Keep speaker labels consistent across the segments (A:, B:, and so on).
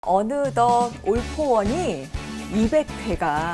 A: 어느덧 올포원이 200회가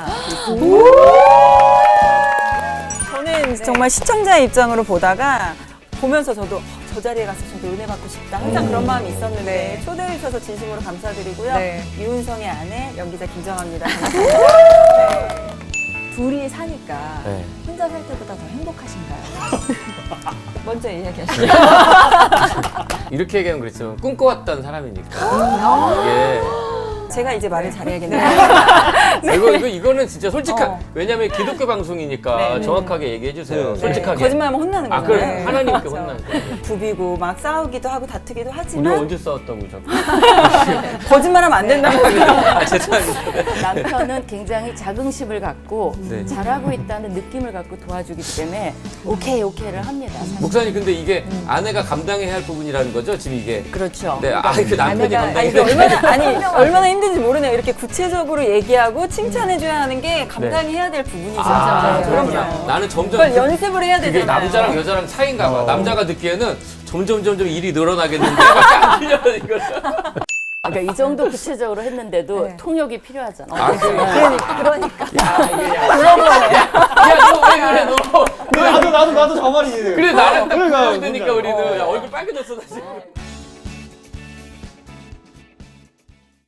A: 저는 정말 시청자의 입장으로 보다가 보면서 저도 저 자리에 가서 저도 은혜 받고 싶다 항상 그런 마음이 있었는데 초대해 주셔서 진심으로 감사드리고요. 이훈성의 아내 연기자 김정아입니다. 반갑습니다. 네. 둘이 사니까 혼자 살 때보다 더 행복하신가요? 먼저 이야기하시죠.
B: 이렇게 얘기하면 그렇죠. 꿈꿔왔던 사람이니까. 이게
A: 제가 이제 말을 잘해야겠네요.
B: 이거는 진짜 솔직한. 왜냐면 기독교 방송이니까 정확하게 얘기해 주세요. 솔직하게.
A: 거짓말하면 혼나는 거죠.
B: 그래. 하나님께 혼나는 거예요.
A: 부비고 막 싸우기도 하고 다투기도
B: 우리
A: 하지만
B: 언제 싸웠다고 자꾸.
A: 거짓말하면 안 된다고.
B: 아, 죄송합니다.
C: 남편은 굉장히 자긍심을 갖고
B: 네.
C: 잘하고 있다는 느낌을 갖고 도와주기 때문에 오케이를 합니다. 사실.
B: 목사님, 근데 이게 아내가 감당해야 할 부분이라는 거죠? 지금 이게.
C: 그렇죠.
B: 네, 그 남편이 감당해야
A: 이게 얼마나 힘든지 모르네요. 이렇게 구체적으로 얘기하고 칭찬해줘야 하는 게 감당해야 될 부분이죠. 그럼요.
B: 나는 점점.
A: 그걸 연습을 해야
B: 그게
A: 되잖아요.
B: 남자랑 여자랑 차이인가 봐. 남자가 듣기에는 점점 일이 늘어나겠는데 안 들려, 이걸.
C: 그러니까 이 정도 구체적으로 했는데도
A: 네.
C: 통역이 필요하잖아.
A: 그러니까.
B: 야, 너 왜 그래, 너.
D: 나도 저 말이지.
B: 그래, 나랑 딱
D: 그러니까,
B: 보여야 되니까 우리는. 야, 얼굴 빨개졌어, 나 지금.